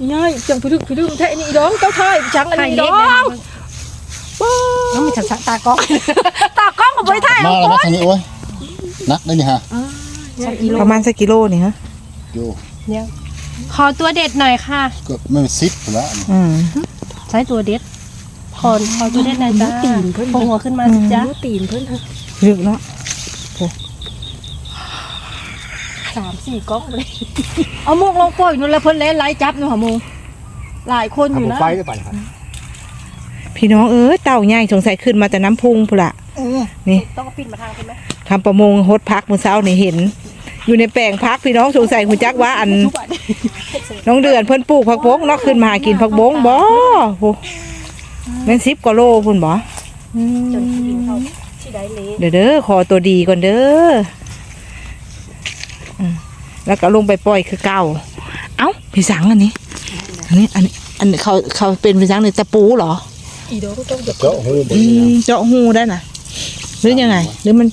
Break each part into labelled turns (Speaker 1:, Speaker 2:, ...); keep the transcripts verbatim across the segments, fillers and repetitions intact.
Speaker 1: ง่ายจังพี่ดึกพี่ดึกแท้นี่ดองเจ้าชายจังอันนี้ดองน้องมีฉันตากล้องตากล้องกับใบไทย
Speaker 2: มาแล้วมาทางนี้โอ้ยนักได้นี่ฮะ
Speaker 3: ประมาณสักกิโลนี่ฮะ
Speaker 2: โย่
Speaker 1: เนี่ยขอตัวเด็ดหน่อยค่ะ
Speaker 2: ก็ไม่ซิปแล้ว
Speaker 3: อืม
Speaker 1: ใช้ตัวเด็ดขอขอตัวเด็ดหน่อยจ้าตีนเพิ่นหัวขึ้นมาสิจ้าตีนเพิ่น
Speaker 3: ลึกเนาะ
Speaker 1: สามสี่กล้องเลยเอามุกลงปล่อยนู่นแล้วเพิ่นเล่นไล่จับนู่นหรอมูหลายคนอยู่นะ
Speaker 2: ไปได้ไปครับ
Speaker 3: พี่น้องเอ้ยเต่าใหญ่สงสัยขึ้นมาแต่น้ำพุงพุ่นละนี่
Speaker 1: ต้องปิดมาทางใช่ไหม
Speaker 3: ทำประมงฮดพักมื้อเช้านี่เห็นอยู่ในแปลงพักพี่น้องสงสัยหุ่นจักว่าอันน้องเดือนเพิ่นปลูกผักบงเนาะขึ้นมาหากินผักบงบ่โหแม่นสิบกว่าโลพุ่นบ่
Speaker 1: จนกินเขาที่ได้เละ
Speaker 3: เด้อเด้อขอตัวดีก่อนเด้อแล้วก็ลงไปปล่อยคือเก่าเอ้าพี่สังอันนี้อันนี้อันอันเขาเขาเป็นพี่สังในตะปูเหรอ
Speaker 1: อีโดก็ต้อง
Speaker 2: เจาะหู
Speaker 3: เจาะหูได้น่ะหรือยังไงหรือมัน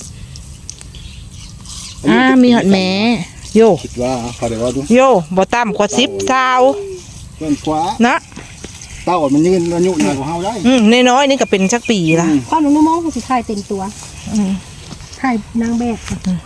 Speaker 3: อ่ามีหอดแม่โย
Speaker 2: คิดว่าเขาเดี๋ยวว่าดู
Speaker 3: โยบ่ต่ำกว่าสิบสาว
Speaker 2: เกินกว่า
Speaker 3: นะ
Speaker 2: เต้ามันยืนอายุหน่อยกว่าเฮาได้
Speaker 3: อืมน้อยๆนี่ก็เป็นสักปีละ
Speaker 1: ความนุ่มมองคือสิถ่ายเต็มตัวถ่ายนางแบบ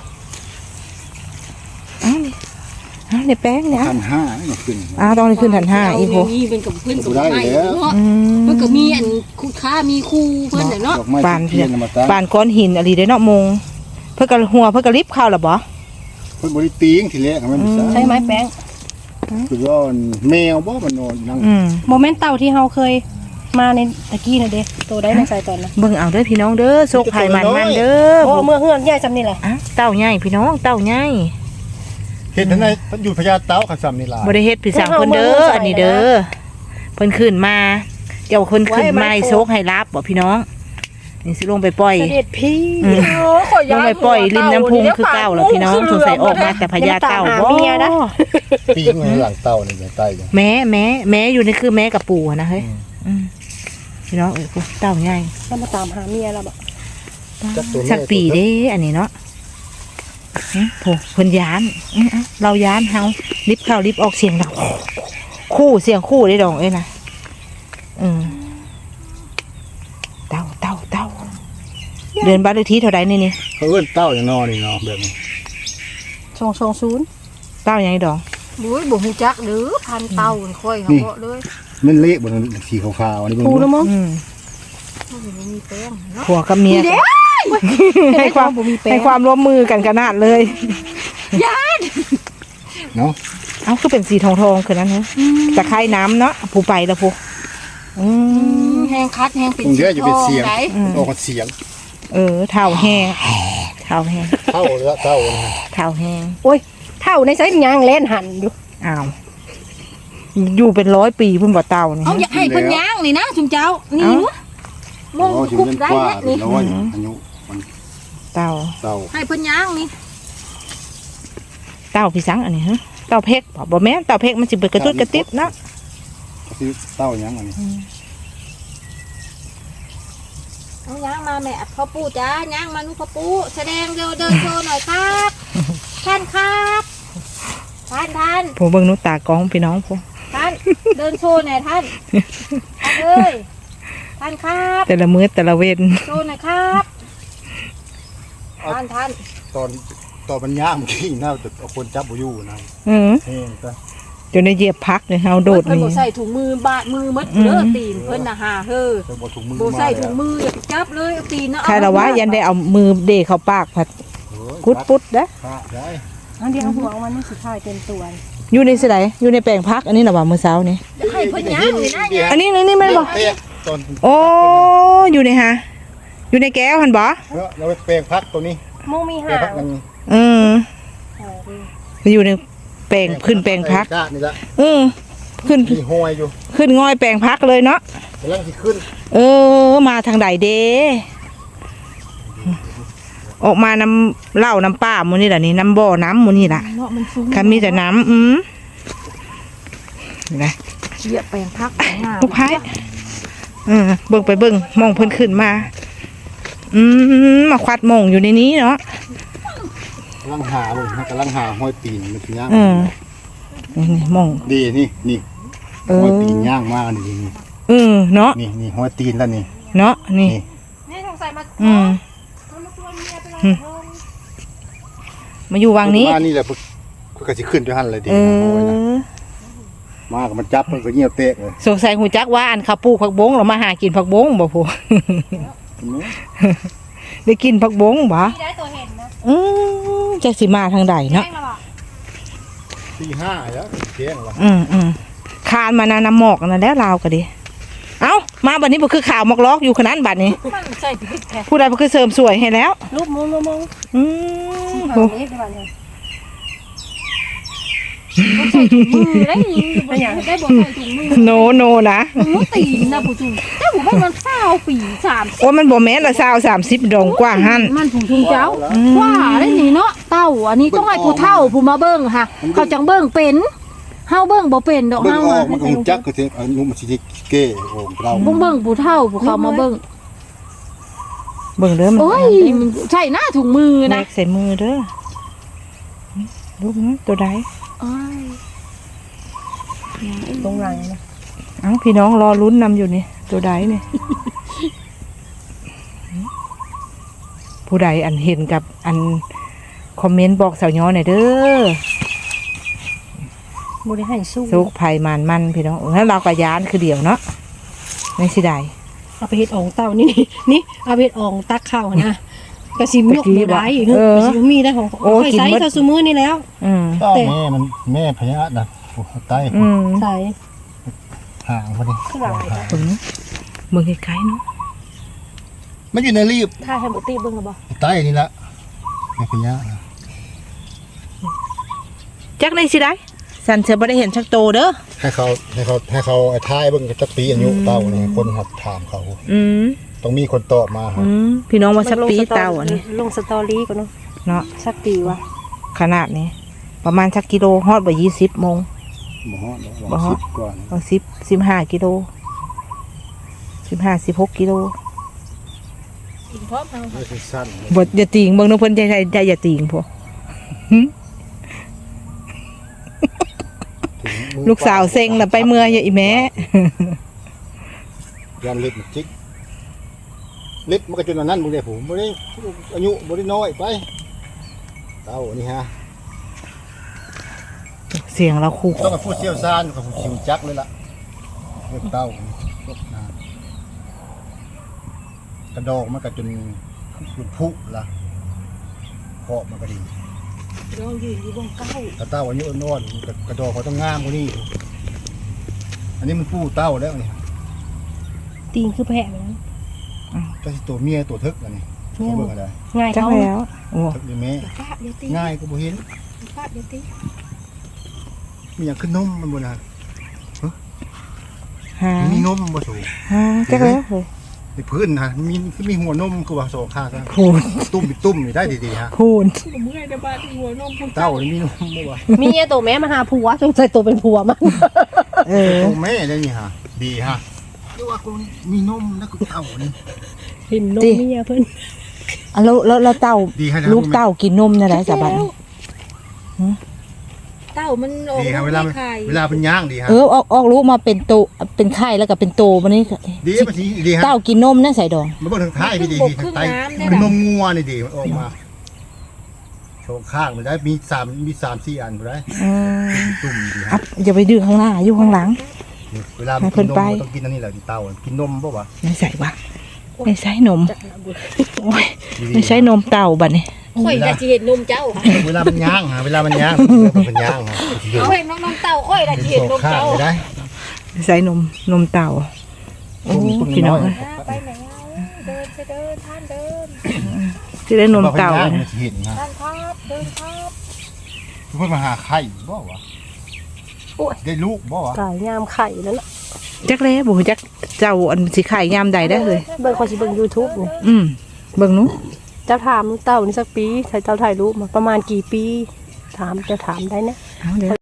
Speaker 3: อ้าวอ้าวในแป้งเนี่ย
Speaker 2: พันห้าเนี่ยขึ้น
Speaker 3: อ้าวต้องได้ขึ้นพันห้าอีโพ
Speaker 1: นี่เป็นกับเพื่อนกับไม่มันก็มีอันคู่ค้ามีคู่เพื่อนเนาะ
Speaker 3: ปานเพื่อนปานก้อนหินอะไรได้เนาะมงเพื่อกระหัวเพื่อกระลิบข้าวหรอบ่
Speaker 2: เพื่อนบริตีงทีแรกมัน
Speaker 1: ใช่ไหมแป้ง
Speaker 2: คือว่าแมวบ่มันนอนนั่ง
Speaker 1: โมเมนต์เต่าที่เราเคยมาในตะกี้นะเด้โตได้ในใจตอนนะ
Speaker 3: เบิ่งเอาเด้อพี่น้องเด้อโชคไผ่มันมันเด้อ
Speaker 1: โอ้เมื่อเฮือนใหญ่จำนี่แหละ
Speaker 3: เต่าใหญ่พี่น้องเต่าใหญ่
Speaker 2: เฮ็ดทั้งในอยู่พญาเต่าขันซ้ำนี่ล่ะ
Speaker 3: บ่ได้เฮ็ดพี่สังเพิ่นเด้ออันนี้เด้อเพิ่นขึ้นมาเจ้าคนขึ้นมาโชคให้รับบ่พี่น้องนี่สิลงไปปล่อย
Speaker 1: เด็ดพี่
Speaker 3: ลงไปปล่อยริมน้ำพุงคือเก่าแล้วพี่น้องสงสัยออกมาแต่พญาเต่าบ่
Speaker 2: ปีงหลังเต่านี่ใต้
Speaker 3: แม่แม่แม่อยู่นี่คือแม่กับปู่นะเฮ้ยพี่น้องเอ้ยกูเต่าใหญ่
Speaker 1: แล้วมาตามหาเมียแล้วบ่
Speaker 3: สักปีเด้อันนี้เนาะโผล่เพิ่นยานเรายานเฮาลิบเข้าลิบออกเสียงดังคู่เสียงคู่ได้ดองเอ้ยนะอืมเต่าเต่าเต่าเดินบ้านเลขที่เท่าไรนี่นี่
Speaker 2: เขาเอิ้นเต่าอย่างนอนี่เนาะแบบนี้
Speaker 1: สองสองศูนย์
Speaker 3: เต่าอย่างนี้ดอง
Speaker 1: บุ้ยบุ้งจักหรือพันเต่าค่อยเขาเกาะเลย
Speaker 2: มันเละบนสีขาวๆนี่
Speaker 1: บุ้งคูแล้วมั้ง
Speaker 3: ผัวกับเมียให้ความให้ความร่วมมือกันขนาดเลย
Speaker 1: ญาติ
Speaker 2: เนาะ
Speaker 3: เอ้าคือเป็นสีทองทองคือนั้นเนาะตะไคร่น้ำเนาะผู้ไปแล้วผู้
Speaker 1: แห้งคัดแห้งเป็น
Speaker 2: เยอะอยู่เป็นเสียงออกเสียง
Speaker 3: เออเท่าแห้งเท่าแห้ง
Speaker 2: เท่าแล้วเท่า
Speaker 3: เท่าแห้ง
Speaker 1: โอ้ยเท่าในไซส์ยางเล่นหันอยู่
Speaker 3: อ้าวอยู่เป็นร้อยปีเพิ่งบ่เต่านี่
Speaker 1: เอาอยากให้เพิ่นย่างนี่นะจุงเจ้านี่วะมองคุบได้นี่
Speaker 2: อายุ
Speaker 3: เต่า
Speaker 2: เต่า
Speaker 1: ให้เพิ่นย่างนี่
Speaker 3: เต่าพี่สังอันนี้ฮะเต่าเพกบ่แม่นเต่าเพกมันสิเปิดกระตุ้นกระติบนะ
Speaker 2: คือเต่าย่างอันนี้
Speaker 1: เอาย่างมาแม่พ่อปู่จ้าย่างมานุพ่อปู่แสดงเดินเดินโชว์หน่อยครับท่านครับท่านท่าน
Speaker 3: ผมเบิ่งนุตากองพี่น้องผม
Speaker 1: ท่านเดินโชว์หน่อยท่านเอ้ยท่านครับ
Speaker 3: แต่ละมื้อแต่ละเว้น
Speaker 1: โชว์หน่อยครับท่านท่าน
Speaker 2: ตอนตอนมันย่างเมื่อกี้น่าจะเอาคนจับบุยูนะ
Speaker 3: อืมจนในเหยียบพักเลยเฮาโดด
Speaker 1: นี่เพิ่นบ่ใส่ถุงมือบาดมือมัดเด้อตีนเพิ่นน่ะหาเฮ้อบ่ใส่ถุงมืออย่าจับเลยเอาตีนนะ
Speaker 3: ใครละวะยันได้เอามือเดะเข้าปากผัดกุดปุ๊ดเด้อ
Speaker 1: อันเดียวหัวมันนี่สุดท้ายเต็มตัว
Speaker 3: อยู่ในสิไดอยู่ในแปลงพักอันนี้น่ะว่ามื้อเช้านี่
Speaker 1: ให้เพิ่นย่างนี่นะ
Speaker 3: อันนี้นี่แม่นบ่โอ้อยู่ในฮะอยู่ในแก้วหั่นบ่
Speaker 2: เราไปแปลงพักตัวนี้
Speaker 1: มงมีหา
Speaker 3: อืมอยู่ในแปลงขึ้นแปลงพักอืมขึ้น
Speaker 2: ห้อยอยู่
Speaker 3: ขึ้นง่อยแปลงพักเลยเนาะ
Speaker 2: กำลังสิขึ้น
Speaker 3: เออมาทางใดเด้ออกมาน้ำเหล้าน้ำป้ามูนี่แหละนี่น้ำบ่อน้ำมูนี่แหละคันมีแต่น้ำอืมนะ
Speaker 1: เหยียบแปลงพัก
Speaker 3: ลูกพายเออเบิ่งไปเบิ่งมองเพิ่นขึ้นมาอืมมาควัดมองอยู่ในนี้เนาะ
Speaker 2: กำลังหาเลยกำลังหาห้อยตีนมันย่าง
Speaker 3: อืมนี่มอง
Speaker 2: ดีนี่นี่
Speaker 3: เอ
Speaker 2: หัว
Speaker 3: อ
Speaker 2: ตีนย่างมานี่นี่
Speaker 3: เออเนาะ
Speaker 2: นี่นี่หัวตีนแล้วนี่
Speaker 3: เนาะนี่
Speaker 2: นี่
Speaker 1: แม่สงสัยมา
Speaker 3: อืม
Speaker 1: เขามาชวนเมียไปลอย
Speaker 3: อืม
Speaker 1: กระทง
Speaker 3: มาอยู่วังนี้
Speaker 2: มานี่แหละเพิ่นเพิ่นก็สิขึ้นด้วยหั่นเลยดี
Speaker 3: เอ
Speaker 2: นะโอ้ยนะ
Speaker 3: อ
Speaker 2: มาก็มันจับมันก็เงียบเตะเลย
Speaker 3: สงสัยหูจักว่าอันข้าวปลูกผักบงเรามาหากินผักบงบ่พู ได้กินผักบงบ่
Speaker 1: พี่ได้ตัวเห็นนะ
Speaker 3: อืมจักสิมาทางใดเนาะ
Speaker 1: แม่งแล้วบอก
Speaker 2: สี่ห้าแล้วเที่ยงแล้ว
Speaker 3: อืมอืมคานมานาน้ำหมอกนั่นแล้วลาวก็ดีเอ้ามาบัดนี้บ่คือข่าวหมอกลอกอยู่ขนาดบัดนี้
Speaker 1: มันใส่พริกแท้
Speaker 3: ผู้ใดบ่คือเสริมสวยให้แล้ว
Speaker 1: รูปมุ้งมุ้งมุ้ง
Speaker 3: อืม
Speaker 1: หา
Speaker 3: โห
Speaker 1: เล็กได้บ้างเลยใส่ถุงมือได้ยิงได้ยังได้บอกใส่ถุงมือ
Speaker 3: โนโนนะ
Speaker 1: มึงตีนนะผู้จุงแต่ผมว่ามันเศร้าปีสาม
Speaker 3: โอ้มันบ่แม่นละสาวสามสิบดองกว่าหั่น
Speaker 1: มันผงชุงเจ้าว่าได้นี่เนาะเต้าอันนี้ต้องให้ผู้เฒ่าผู้มาเบิ่งค่ะ เขาจังเบิ่งเป็นเฮาเบิ่งบ่เป็นดอก
Speaker 2: เบิ่ง
Speaker 1: เฮา
Speaker 2: ออ
Speaker 1: อะ
Speaker 2: กมันก็หุ่นจักก็สิอายุมันสิเก้โอ้เรา
Speaker 1: เบิ่งเบิ่งผู้เฒ่าผู้เขามาเบิ่ง
Speaker 3: เบิ่งเด้อมัน
Speaker 1: โอ้ยมันใช่หน้าถุงมือ
Speaker 3: แม
Speaker 1: นะ
Speaker 3: กใส่มือเด้อลูกนะตัวใด
Speaker 1: อ้ายตรงไหนนะ
Speaker 3: เอ้าพี่น้องรอลุ้นนำอยู่นี่ตัวใดนี่ ผู้ใดอันเห็นกับอันคอมเมนต์บอกสาวย้อหน่อยเด้อ
Speaker 1: บ่ได้ให้สู้
Speaker 3: สุกภัยมันมันพี่น้องแล้วเราก็ยานคือเดียวเนาะไม่สิได้
Speaker 1: เอาไปเฮ็ดอ่องเต้านี่นี่เอาไปเฮ็ดอ่องตักข้าวนะกระสิมยกบ่ได้อีก
Speaker 3: เออ
Speaker 1: กระสิมีได้ของ
Speaker 3: โอ้
Speaker 1: ค่อย
Speaker 3: กิน
Speaker 1: ใส่
Speaker 3: หมด
Speaker 1: เท่าซุมื้อนี่แล้ว
Speaker 3: อืม
Speaker 2: ต้อแม่มันแม่พญาน่ะโอ้ใต้
Speaker 3: อืม
Speaker 1: ใส่
Speaker 2: ห่างพอดี
Speaker 1: ข้างหลัง
Speaker 3: เบิ่งเบิ่งไกลๆเนาะ
Speaker 2: มันอยู่ในรีบ
Speaker 1: ถ้าให้บ่ตีเบิ่งก็บ่
Speaker 2: ใต้นี่ละแม่พญา
Speaker 3: จักได้สิได้สันเสือบ่ได้เห็นชักโตเด้อ
Speaker 2: ให้เขาให้เขาให้เขาไอ้ท้ายเบิ่งจักปีอายุเต้านี่คนหัดถามเขา
Speaker 3: อืม
Speaker 2: ต้องมีคนตอบมาครับ
Speaker 3: อืมพี่น้องว่าสักปีเต่าอันนี้
Speaker 1: ลงสตอรี่ก่อนเนาะ
Speaker 3: เนาะ
Speaker 1: สักปีวะ
Speaker 3: ขนาดนี้ ประมาณสักกิโลฮอดบ่ยี่สิบโมง
Speaker 2: บ่ฮอด
Speaker 3: บ่ฮอด
Speaker 2: สิบกว่านะ
Speaker 3: บางสิบสิบห้ากิโลสิบห้าสิบหกกิโล
Speaker 1: กินพร้อมทาง
Speaker 2: ไม่สั้นๆเลย
Speaker 3: บทอย่าติงเบิ่งเน้องเพิ่นใจใจใจอย่าติงพวก
Speaker 2: ถึงมือ
Speaker 3: ลูกสาวเซ็งน่ะไปเมื่อยอย่าอีแม่
Speaker 2: ยันเล็บมันจิกเล็บมันก็จนอันนั้นบ่ได้ผมบ่ได้อายุบ่ได้น้อยไปเต้านี่ฮะ
Speaker 3: เสียงเราคู่
Speaker 2: ต้องกับผู้เชี่ยวชาญกับผู้ชิวจักเลยล่ะเล็บเต้าพวกนะกระดอกมันก็จนเป็นผุละเพาะมันก็ดี
Speaker 1: ลองยืนอยู่บนเก้า
Speaker 2: ถ้าเต้าอายุน้อยมันก็กระดอกเขาต้องงามกว่านี้อันนี้มันผู้เต้าแล้วนี่
Speaker 1: ตีนคือแพะแบบนั้น
Speaker 2: เจ้าสิตัวเมียตัวทึกอันนี้เขาเบิ่งอะไร
Speaker 1: ง่าย
Speaker 3: จัก
Speaker 1: เท่า
Speaker 3: แล้วโอ้
Speaker 2: ทึกนี่แม่
Speaker 1: ฟาดเดี๋ยวตี
Speaker 2: ง่ายก็บ่เห็น
Speaker 1: ฟาดเดี๋ยวตี
Speaker 2: มีอย่างขึ้นนมมันบ่นะ
Speaker 3: หา
Speaker 2: มีนมบ่สูง
Speaker 3: หาจักแล้วเฮ้ย
Speaker 2: ในพื้นนะมีคือมีหัวนมคือว่าสองข้างกัน
Speaker 3: พูน
Speaker 2: ตุ้มมีตุ้มนี่ได้ดีๆฮะ
Speaker 3: พูน
Speaker 1: เมื่อยเดี๋ยวบ้านหัวนม
Speaker 2: เต้านี่มีนมบ่วะ
Speaker 1: มีไอ้ตัวแม่มาหาผัวจงใจตัวเป็นผัวมัน
Speaker 3: เออ
Speaker 2: โอ้แม่ได้นี่ฮะดีฮะดูว่ากูมีนมแล้วก็เต้านี่
Speaker 1: เห็นนมเมียเพิ่น
Speaker 3: อ่ะแล้วแล้วแล้วเต้า
Speaker 2: ดีฮะ
Speaker 3: ลูกเต้ากินนมนั่นแหละสะบัดนี้
Speaker 1: เต้ามันออก
Speaker 2: ดีฮะเวลามัน
Speaker 1: ไข่
Speaker 2: เวลาเป็นย่างดีฮะ
Speaker 3: เออออกออกลูกมาเป็นโตเป็นไข่แล้วก็เป็นโตมันนี่
Speaker 2: ดีมันสิดีฮะ
Speaker 3: เต้ากินนมนะใส่ดอง
Speaker 2: มันเบิ่งทางท้ายพี่ดีดีทางใต้เป็นนมงัวนี่ดีมันออกมาโชว์ข้างมันได้มีสามมีสามสี่อันบ่ได้
Speaker 3: อืม
Speaker 2: ตุ่มดี
Speaker 3: อั
Speaker 2: ฮะ
Speaker 3: พอย่าไปดื้อข้างหน้าอยู่ข้างหลัง
Speaker 2: เวลามันกินนมมันต้องกินอันนี้แหละเต้ากินนมบ่วะ
Speaker 3: ไม่ใส่วะไม่ใส่นมโอ้ย
Speaker 2: ดีๆ
Speaker 3: ไม่ใช่นมเต่าบัดนี้
Speaker 1: ข่อยจะเห็นนมเจ้าค่ะ
Speaker 2: เวลามันย่างฮะเวลามันย่างมันเป็นย่างฮะ
Speaker 1: เอาเห็นนมเต้าข่อยจะเห็นนม
Speaker 2: ข้าง
Speaker 1: เจ้า
Speaker 2: ไม่ได้
Speaker 3: ไม่ใส่นมนมเต่าโอ้พี่น้อง
Speaker 1: ไปไหนเดินไปเดินท่านเดิน
Speaker 3: ที่ได้นมเต่า
Speaker 2: นะ
Speaker 3: นะ
Speaker 2: เห็นนะ
Speaker 1: ท่านครับเดินครับ
Speaker 2: เพื่อนมาหาไข่บ่วะได้ลูกบ่วะ
Speaker 1: กายยามไข่แล้วล่ะ
Speaker 3: จักเล่บุจักเจ้าอันสิขายยามใดได้เลย
Speaker 1: เบิ่งข่อยสิเบิ่ง YouTube นี่
Speaker 3: อืมเบิ่งหนู้
Speaker 1: เจ้าถามเต้านี่สักปีใส่เต้าถ่ายรูปมาประมาณกี่ปี ถามเจ้าถามได้นะ
Speaker 3: เอาเดี๋ยว